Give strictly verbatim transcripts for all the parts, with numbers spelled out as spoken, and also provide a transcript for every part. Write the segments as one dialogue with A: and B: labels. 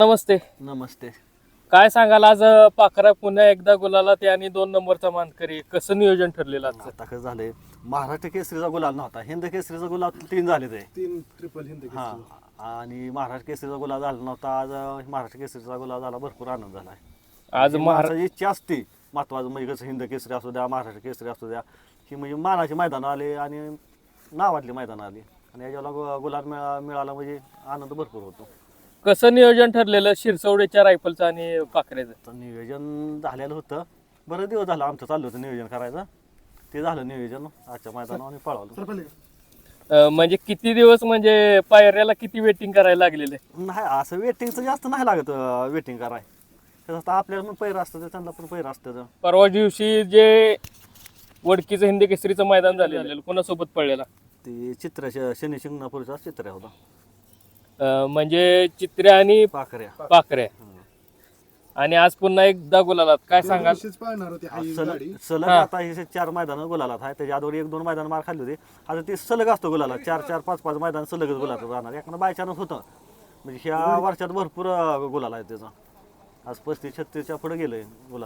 A: नमस्ते.
B: नमस्ते.
A: काय सांगाल आज अ, पाखरा पुन्हा एकदा गुलाला ते आणि दोन नंबरचा मानकरी कसं नियोजन ठरलेलं आजचं?
B: आता कसं झालंय, महाराष्ट्र केसरीचा गुलाल नव्हता, हिंद केसरीचा गुलाल तीन झाले ते
C: तीन ट्रिपल हिंद
B: हा आणि महाराष्ट्र केसरीचा गुलाल झाला नव्हता. आज अं, महाराष्ट्र केसरीचा गुलाल झाला, भरपूर आनंद झाला.
A: आज महारा
B: माणसाची इच्छा असते महत्वाचं म्हणजे कसं हिंद केसरी असू द्या, महाराष्ट्र केसरी असू द्या, ही म्हणजे मानाची मैदान आले आणि नावातली मैदान आली आणि याच्याला गु- गुलाल मिळा मिळाला म्हणजे आनंद भरपूर होतो.
A: कसं नियोजन ठरलेलं शिरसवडेच्या रायफलचं आणि पाखरेचं?
B: तर नियोजन झालेलं होतं, बरं दिवस झालं आमचं चाललं होतं नियोजन करायचं, ते झालं नियोजन आजच्या मैदानावर आणि पळालो.
C: सर पहिले
A: अ, म्हणजे किती दिवस म्हणजे पायऱ्याला किती वेटिंग करायला लागलेलं आहे?
B: नाही असं वेटिंगचं जास्त नाही लागत वेटिंग कराय. त्याचं आता आपल्याला पण पैर असतं त्यांना पण पैर असतं.
A: परवा दिवशी जे वडकीचं हिंद केसरीचं मैदान झालेलं कोणासोबत पडलेला?
B: ते चित्राच्या शनी शिंगणापूरचा चित्र्या होता,
A: अ, म्हणजे चित्र्या आणि
B: पाखऱ्या.
A: पाखऱ्या. आणि आज पुन्हा एकदा गुलालात काय सांगाल?
C: दिवशीच पाळणार होती हाई
B: सलग
C: गाडी
B: सलग
A: हा.
B: आता हे चार मैदान गुलालात आहे, त्याच्या आधीवर एक दोन मैदान मार खाल्ली होती. आता ते सलग असतो गुलाला, चार चार पाच पाच मैदान सलगच गुलालात राहणार. एखादं बायचानच होतं म्हणजे ह्या वर्षात भरपूर अं, गुलाल आहे त्याचा. आज पस्तीस छत्तीसच्या पुढे गेलंय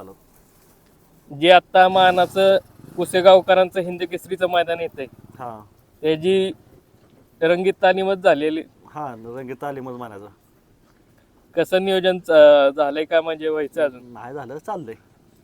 B: गुलालात.
A: जे आता मानाचं कुसेगावकरांचं हिंद केसरीचं मैदान येतंय
B: हा
A: त्याची रंगीत तालीमच झालेली.
B: हा रंगीत तालीमच म्हणायचं.
A: कसं नियोजन च- झालंय का म्हणजे व्हायचं अजून?
B: नाही झालं चाललंय,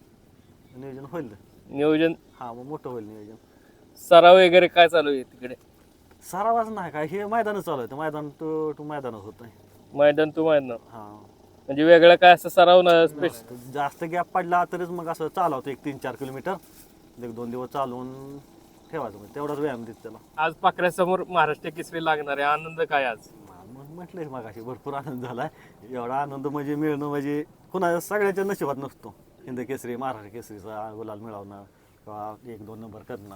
B: नियोजन होईल.
A: नियोजन
B: हा मग मोठं होईल नियोजन.
A: सराव वगैरे काय चालू आहे तिकडे?
B: सरावाच नाही काय, हे मैदानच चालू आहे, मैदान टू टू मैदानच होत आहे.
A: मैदान तू मैदान
B: हा
A: म्हणजे वेगळं काय असं सराव ना स्पेशल?
B: जास्त गॅप पडला तरीच मग असं चालवतो एक तीन चार किलोमीटर एक दोन दिवस चालवून ठेवायचं, म्हणजे तेवढाच व्यायाम देत त्याला.
A: आज पाखऱ्यासमोर महाराष्ट्र केसरी लागणार आहे, आनंद काय आज?
B: मग म्हटलंय मग अशी भरपूर आनंद झालाय. एवढा आनंद म्हणजे मिळणं म्हणजे कुणा सगळ्याच्या नशिबात नसतो. हिंद केसरी महाराष्ट्र केसरीचा गुलाल मिळवणं किंवा एक दोन नंबर करणं,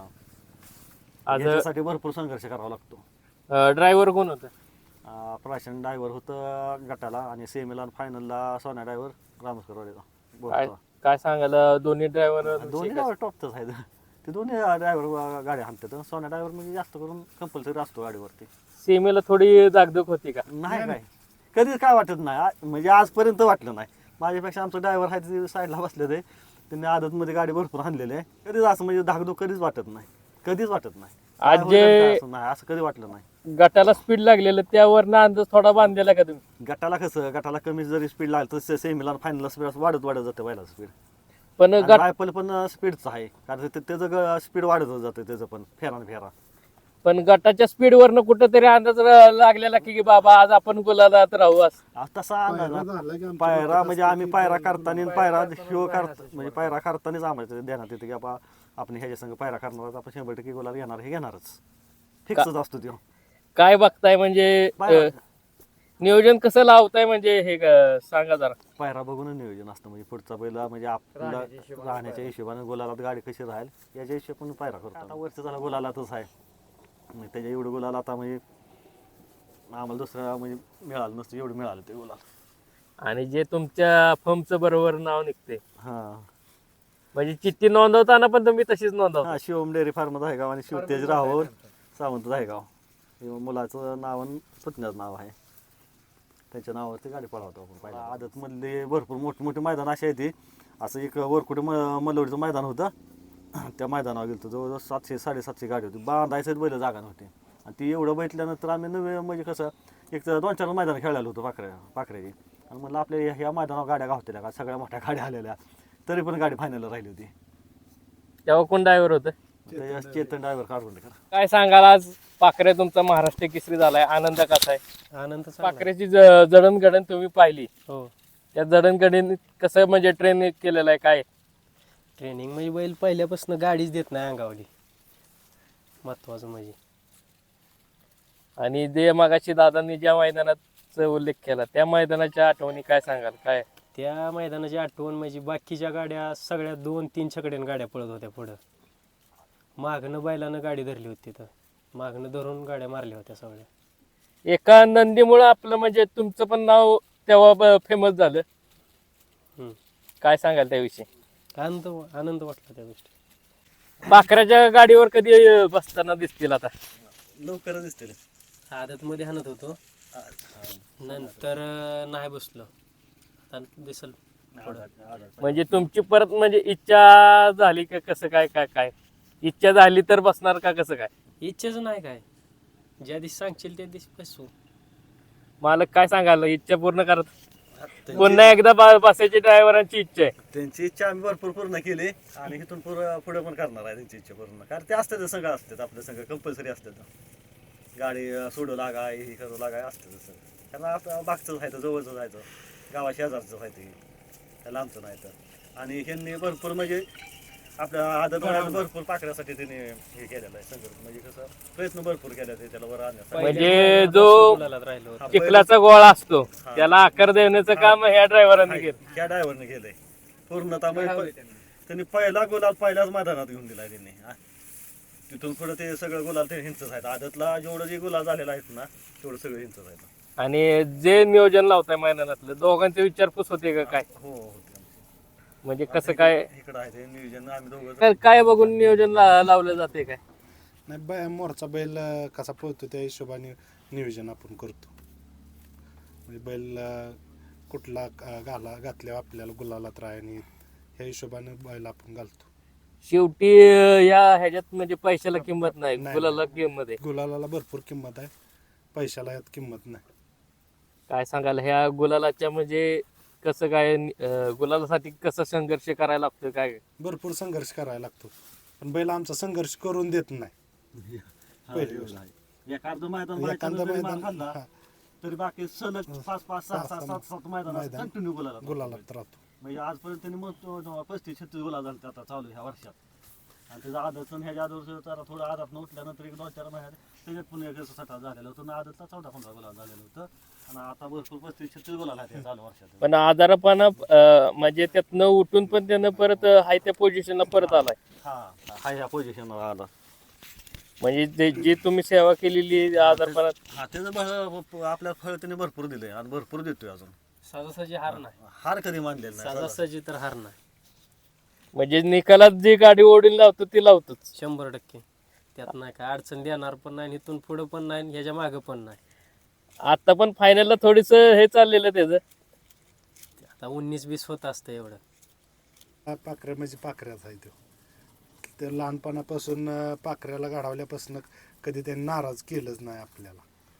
A: आज
B: याच्यासाठी भरपूर संघर्ष करावा लागतो.
A: ड्रायव्हर कोण होतं?
B: अं, प्राशन ड्रायव्हर होतं गटाला आणि सेमीला फायनलला सोन्या ड्रायव्हर रामस्करवाडीचा
A: काय
B: बोलतो.
A: काय सांगायला दोन्ही ड्रायव्हर?
B: दोन्ही ड्रायव्हर टॉपच आहेत ते दोन्ही ड्रायव्हर गाड्या हाणतात. सोन्या ड्रायव्हर म्हणजे जास्त करून कंपल्सरी असतो गाडीवरती.
A: सीमेला थोडी दागदुख होती का?
B: नाही काय कधीच काय वाटत नाही, आ- म्हणजे आजपर्यंत वाटलं नाही. माझ्यापेक्षा आमचं ड्रायव्हर आहे ते साईडला बसले ते, त्यांनी आदतमध्ये गाडी भरपूर हाणलेली आहे. कधीच असं म्हणजे धाकधूक कधीच वाटत नाही, कधीच वाटत नाही.
A: आज
B: काय
A: जे-
B: होईल काय असं नाही, असं कधी वाटलं नाही.
A: गटाला स्पीड लागलेलं त्यावर ना अंदाज थोडा बांधलेला का तुम्ही?
B: गटाला कसं गटाला कमी जरी स्पीड लागलं तर सेमीला फायनलला स्पीड वाढत वाढत जाते पहिला स्पीड.
A: पण गट
B: रायफल पण स्पीडचं आहे, कारण ते- त्याचं स्पीड वाढत जातं त्याचं पण फेरा न फेरा.
A: पण गटाच्या स्पीडवरनं कुठंतरी अंदाज र- लागलेला की बाबा आज आपण गुलालात राहू असं.
B: आज तसा अंदाज
C: पायरा
B: ना.
C: झाला की आमच्या
B: पायरा
C: डोक्यात
B: म्हणजे
C: असतं
B: आम्ही
C: की
B: पायरा
C: पायरा
B: करताना आणि पायरा शिव करता म्हणजे पायरा करतानाच आम्हाला ध्यानात येते की बाबा आपण ह्याच्या संग पायरा करणार आहोत, आपण शंभर टक्के गुलाल घेणार, हे घेणारच फिक्सच असतो तो
A: काय बघताय म्हणजे
B: पायरा.
A: अ, नियोजन कसं लावताय म्हणजे हे क- सांगा जरा.
B: पायरा बघूनच नियोजन असतं, म्हणजे पुढचा पहिला म्हणजे आपल्याला राहण्याच्या हिशोबाने गुलालात गाडी कशी राहील याच्या हिशोबाने पायरा करतो. आता वरचं झाला गुलालातच आहे, म्हणजे त्याच्या एवढं गुलाल आता म्हणजे आम्हाला दुसरा म्हणजे मिळालं नसतं, एवढं मिळालं ते गुलाल.
A: आणि जे तुमच्या फर्मचं बरोबर नाव निघते
B: हा
A: म्हणजे चिठ्ठी नोंदवताना पण तुम्ही तशीच नोंदवता?
B: हा शिवम डेअरी फार्म धायगाव आणि शिवतेज राहोर सावंत धायगाव हे मुलाचं नाव आणि पुतण्याचं नाव आहे, त्याच्या नावावरती गाडी पळवतो आपण. पहिला आदतमधले भरपूर मोठे मोठे मैदान असे आहेत. असं एक वरकुटे म मलवडीचं मैदान होतं, त्या मैदानावर गेलो जवळजवळ सातशे साडेसातशे गाडी होती, बांधायचं बैल जागा नव्हती. आणि ती एवढं बैठल्यानंतर आम्ही नवे म्हणजे कसं एक तर दोन चार मैदान खेळायला होतो पाखऱ्या पाखऱ्याची, आणि म्हणलं आपल्या ह्या- ह्या मैदानावर गाड्या गावतेल्या का, सगळ्या मोठ्या गाड्या आलेल्या, तरी पण गाडी फायनलला राहिली होती.
A: तेव्हा कोण ड्रायव्हर होतं?
B: त्या चेतन ड्रायव्हर काढून
A: काय सांगाल आज पाखरे तुमचा महाराष्ट्र केसरी झालाय, आनंद कसा आहे?
D: आनंद
A: पाखरेची ज- जडणघडण तुम्ही पाहिली,
D: हो.
A: त्या जडणघडण कसं म्हणजे ट्रेन केलेलं आहे काय?
D: ट्रेनिंग म्हणजे बैल पहिल्यापासून गाडीच देत नाही अंगावली, महत्वाचं म्हणजे.
A: आणि जे मागाशी दादांनी ज्या मैदानाचा उल्लेख केला त्या मैदानाच्या आठवणी काय सांगाल? काय
D: त्या मैदानाची आठवण म्हणजे बाकीच्या गाड्या सगळ्या दोन तीन छकड्यानं गाड्या पळत होत्या पुढं, मागणं बैलानं गाडी धरली होती तिथं, मागणं धरून गाड्या मारल्या होत्या सगळ्या.
A: एका नंदीमुळं आपलं म्हणजे तुमचं पण नाव तेव्हा फेमस झालं,
D: हम्म.
A: काय सांगाल त्याविषयी?
D: आनंद आनंद वाटला त्या गोष्टी.
A: पाखराच्या गाडीवर कधी अं, बसताना दिसतील आता?
B: लवकरच दिसतील.
D: आदतमध्ये हाणत होतो, नंतर अं, नाही बसलो. आता दिसल पुढं.
A: म्हणजे तुमची परत म्हणजे इच्छा झाली का कसं काय काय काय इच्छा झाली तर बसणार का कसं काय?
D: इच्छाच नाही काय, ज्या दिवशी सांगशील त्या दिवशी बसू.
A: मालक काय सांगाल इच्छा पूर्ण करत पुन्हा एकदा बा- बसायची ड्रायव्हरांची इच्छा आहे.
B: त्यांची इच्छा आम्ही भरपूर पूर्ण केली आणि इथून पुढे पुढे पण करणार आहे त्यांची इच्छा पूर्ण. कारण ते असतात संघ असतात आपल्या संघ कंपल्सरी असतात. गाडी अं, सोडू लागा हे करू लागा असतं तसं. कारण आपलं मागचं व्हायचं जवळचं जायचं गावा शेजारचं व्हायचं त्याला आमचं नाही तर. आणि ह्यांनी भरपूर म्हणजे आपल्या आदत वयात भरपूर पाकऱ्यासाठी त्यांनी हे केलेलं आहे संघर्ष. म्हणजे कसं प्रयत्न भरपूर केले ते त्याला वर आणण्यासाठी.
A: म्हणजे जो
D: गुलालात राहिलो होतो.
A: चिखलाचा गोळा असतो त्याला आकार देण्याचं काम ह्या ड्रायव्हरांनी केलं.
B: ह्या ड्रायव्हरने केलंय पूर्णतः. म्हणजे त्यांनी पहिला गुलाल पहिल्याच मैदानात घेऊन दिलाय त्यांनी. हा. तिथून पुढे ते सगळं गुलाल ते हिंचच आहेत. आदतला जेवढं जे गुलाल झालेलं आहेत ना तेवढं सगळं हिंचच आहेत.
A: आणि जे नियोजन लावताय मैदानातलं दोघांची विचारपूस होते का काय?
B: हो होते.
A: म्हणजे कसं काय
B: इकडं आहे ते नियोजन आम्ही दोघं
A: काय- काय बघून नियोजन ला- लावलं जाते काय?
C: नाही बै मोरचा बैल अं, कसा पळतो त्या हिशोबाने नियोजन आपण करतो. म्हणजे बैल अं, कुठला अं, घाला घातल्यावर आपल्याला गुलालात राहायनी ह्या हिशोबाने बैल आपण घालतो.
A: शेवटी अं, या ह्याच्यात म्हणजे पैशाला किंमत नाही,
C: नाही.
A: गुलाला किंमत आहे.
C: गुलालाला भरपूर किंमत आहे, पैशाला यात किंमत नाही.
A: काय सांगाल ह्या गुलालाच्या म्हणजे कसं काय अं, गुलालासाठी कसं संघर्ष करायला लागतो काय?
C: भरपूर संघर्ष करायला लागतो, पण बैल आमचा संघर्ष करून देत नाही. पहिली गोष्ट.
B: एखादं मैदान
C: एखादं
B: बायकांना जरी मार
C: मैदान
B: खाल्ला
C: हा,
B: तरी बाकी सलग पाच पाच सहा सहा सात सात मैदान
C: मैदान.
B: कंटिन्यू गुलाला
C: गुलालात राहतो.
B: म्हणजे आजपर्यंत त्यांनी मग पस्तीस छत्तीस गुलाल झाले आता चालू ह्या वर्षात. आणि त्याचा आदत ह्याच्या आदर जरा थोडं आदात न उठल्यानंतर एक दोन चार महिन्यात त्याच्यात पुन्हा एक सठा झालेलं होतं. आदतला चौदा पंधरा गुलाल झालेलं होतं आणि आता भरपूर पस्तीस छत्तीस गुलाल आहेत चालू वर्षात.
A: पण आजारपणा अं, म्हणजे त्यातनं उठून पण त्यानं परत हाय त्या पोझिशनला परत आलाय.
B: हा हा ह्या पोझिशनवर आला.
A: म्हणजे जे- जी तुम्ही सेवा केलेली आजारपणात
B: हा त्याचं भर- आपल्याला फळ त्याने भरपूर दिलंय आणि भरपूर देतोय अजून.
D: सहजासहजी हार नाही,
B: हार कधी मानलेला नाही.
D: सहजासहजी तर हार नाही.
A: म्हणजे निकालात जी गाडी ओढून लावतो ती लावतोच.
D: शंभर टक्के त्यात नाही काय अडचण देणार पण नाही, इथून पुढं पण नाही, ह्याच्या मागं पण नाही.
A: आता पण फायनलला थोडीस हे चाललेलं त्याचं.
D: आता उन्नीस बीस होत असतं एवढं.
C: हा पाखऱ्या म्हणजे पाखऱ्याच आहे तो. ते लहानपणापासून अं, पाखऱ्याला घडवल्यापासून कधी त्यांनी नाराज केलंच नाही आपल्याला.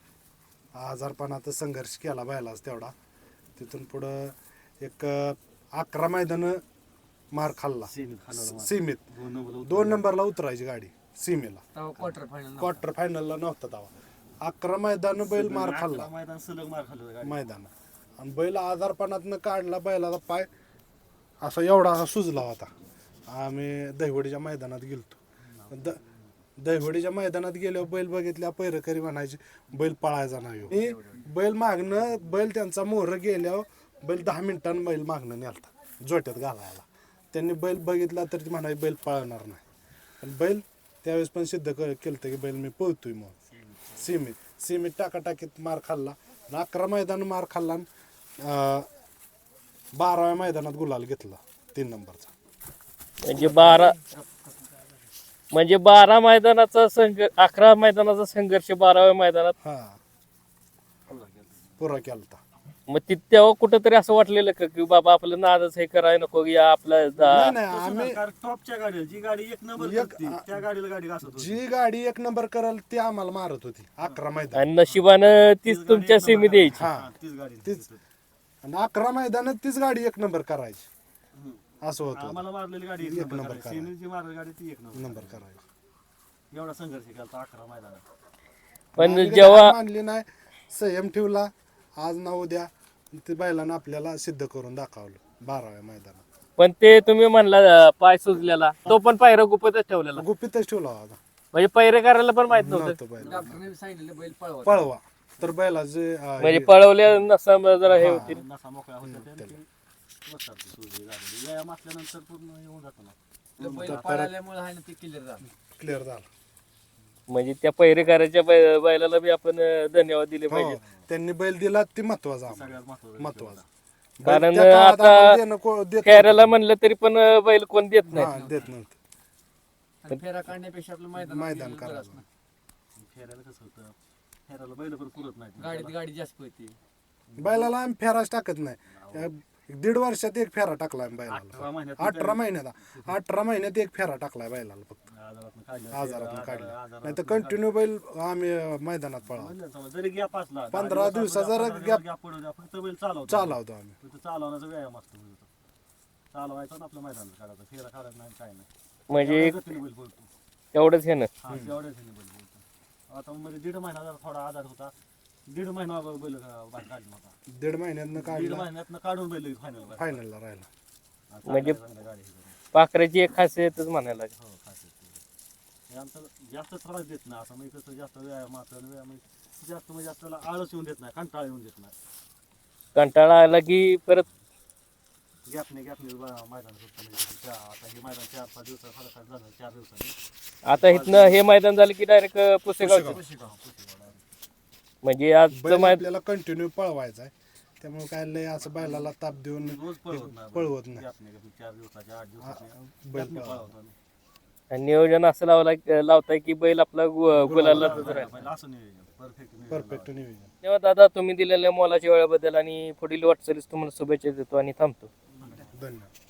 C: आजारपणात संघर्ष केला बैलाच तेवढा. तिथून पुढं एक अं, अकरा मैदानं मार खाल्ला
B: सीमित खाल्ला.
C: सीमित.
B: दोन नंबर
C: दोन नंबरला उतरायची गाडी सीमेला.
D: क्वार्टर फायनल
C: क्वार्टर फायनलला नव्हता तेव्हा. अकरा मैदान बैल मार खाल्ला
B: मैदान सलग मार खाल्लं गाडी.
C: मैदान. आणि बैल आजारपणातनं काढला, बैलाचा पाय असा एवढा असा सुजला होता. आम्ही दहिवडीच्या मैदानात गेलतो. द दहिवडीच्या मैदानात गेल्यावर बैल बघितल्या पैरकरी म्हणायचे बैल पळायचा नाही हो. आणि बैल मागणं बैल त्यांचा मोहर गेल्यावर बैल दहा मिनिटांनी बैल मागणं नेलता जोट्यात घालायला. त्यांनी बैल बघितला तर ती म्हणायची बैल पळणार नाही. पण बैल त्यावेळेस पण सिद्ध केलं होतं की बैल मी पळतोय मग. सीमित सीमित टाकाटाकीत मार खाल्ला. आणि अकरा मैदान मार खाल्ला. अं, बाराव्या मैदानात गुलाल घेतला तीन नंबरचा.
A: म्हणजे बारा म्हणजे बारा मैदानाचा संघर्ष अकरा मैदानाचा संघर्ष बाराव्या मैदानात.
C: हा पुरा केलता.
A: मग ति तेव्हा कुठंतरी असं वाटलेलं का की बाबा आपलं नादच हे करायला नको या आपला
C: नाही नाही आम्ही
B: कारण टॉपच्या गाडी जी गाडी एक नंबर
C: एक-
B: करते, त्या गाडीला गाडी घासत होती.
C: जी गाडी एक नंबर करल ती आम्हाला मारत होती अकरा मैदान.
A: आणि नशिबानं तीच तुमच्या सीमित यायची.
C: हा
B: हा, तीच गाडी
C: तीच. आणि अकरा मैदानात तीच गाडी एक नंबर करायची असं होतं.
B: आम्हाला मारलेली गाडी एक
C: एक
B: नंबर
C: नंबर
B: करायची.
C: करायची.
B: सेमीची मारलेली गाडी ती एक नंबर
C: नंबर करायची.
B: एवढा संघर्ष केला अकरा मैदानात.
A: पण
C: आम्ही कधी
A: जेव्हा
C: हार मानली नाही, संयम ठेवला. आज ना उद्या ते बैलानं आपल्याला सिद्ध करून दाखवलं बाराव्या मैदानात.
A: पण ते तुम्ही म्हणला अं, पाय सुजलेला तो पण पायरा गुपतच ठेवलेला.
C: गुपितच ठेवला होता.
A: म्हणजे पैरे करायला पण माहित नव्हतं.
C: नव्हतं बैल
D: डॉक्टरने सांगितलं बैल पळवा.
C: पळवा तर बैलाचे अं,
A: म्हणजे
C: हे-
A: पळवल्या नसा जरा हे होतील.
B: नसा मोकळा होता त्यांनी बसतात ती सुरळीत झालेली. व्यायाम असल्यानंतर पूर्ण येऊन जातो ना.
D: बैल पळाल्यामुळे आहे ना ते क्लिअर झालं.
C: क्लिअर झाला.
A: म्हणजे त्या पैरेकराच्या बै- बैलाला बी आपण अं, धन्यवाद दिले
C: हो
A: पाहिजे.
C: त्यांनी बैल दिला ती महत्वाचा आम्हाला.
B: सगळ्यात महत्वाचं
C: महत्वाचा.
A: कारण
C: बैल त्या काळात
A: आता
C: आम्हाला देणं को- देत
A: खेळायला म्हणलं तरी पण अं, बैल कोण देत
C: नव्हतं.
A: नाही.
C: हा, देत नव्हतं.
D: आणि फेरा काढण्यापेक्षा आपलं मैदान
C: मैदान करायचं.
B: फेरायला कसं होतं, फेरायला बैल पण पुरत नाही.
D: गाडीत गाडी जास्त पळते.
C: बैलाला आम्ही फेराच टाकत नाही. त्या एक दीड वर्षात एक फेरा टाकलाय
B: अठरा
C: बैलाला
B: महिन्यात
C: अठरा महिन्यात अठरा महिन्यात एक फेरा टाकलाय बैलाला फक्त
B: आजारातनं काढलं.
C: आजारातून काढलं
B: आजारातनं
C: नाही तर कंटिन्यू बैल आम्ही अं, मैदानात पळावतो
B: म्हणलं समजा जरी गॅप असला
C: पंधरा दिवसाचा जरा gap-
B: गॅप पडू द्या फक्त बैल चालवतो
C: चालवतो आम्ही
B: फक्त चालवण्याचा व्यायाम असतो बैल तो. चालवायचा ना आपल्या मैदानात काढायचा फेरा काढायचा नाही काय नाही
A: म्हणजे
B: एवढ्या गतीने बैल बोलतो
A: तेवढंच हे ना
B: हा तेवढ्याच ह्याने बैल बोलतो आता म्हणजे दीड महिना जरा थोडा आजार होता दीड महिना बैल अं, बाहेर काढला होता
C: दीड महिन्यातनं
B: दीड
C: काढला
B: महिन्यातनं काढून बैल फायनल
C: फायनलला राहिला
A: म्हणजे
B: गाडी हे करून.
A: पाखराची एक खासियतच म्हणायला लागेल.
B: हो खास हे आमचं जास्त त्रास देत नाही असं म्हणजे कसं जास्त व्यायामाचं आणि व्यायाम जास्त म्हणजे आपल्याला आळस येऊन देत नाही कंटाळा येऊन देत नाही
A: कंटाळा आला की परत
B: गॅपने गॅपने मैदान सुटतं म्हणजे त्या- आता हे मैदान चार पाच दिवसात फरक झालं चार दिवसांनी
A: आता इथनं हे मैदान झालं की डायरेक्ट पुसेगावचं
B: पुसेगाव, पुसेगाव direct.
A: म्हणजे आजचं
C: बैल
A: मैदान
C: आपल्याला कंटिन्यू पळवायचा आहे त्यामुळे काय लय असं बैलाला ताप देऊन
B: रोज पळवत नाही
C: पळवत नाही
B: गॅपने गॅपने चार दिवसाच्या आठ दिवसाचे
C: बैल
B: गॅपने
C: पळवा.
B: पळवतो आम्ही.
A: नियोजन असं लावला लावताय की बैल आपला गु- गुलाला राहील.
B: पहिलं असं नियोजन परफेक्ट
C: परफेक्ट नियोजन
A: तेव्हा दादा तुम्ही दिलेल्या मोलाच्या वेळेबद्दल आणि पुढील वाटचालीस तुम्हाला शुभेच्छा देतो आणि थांबतो.
C: धन्यवाद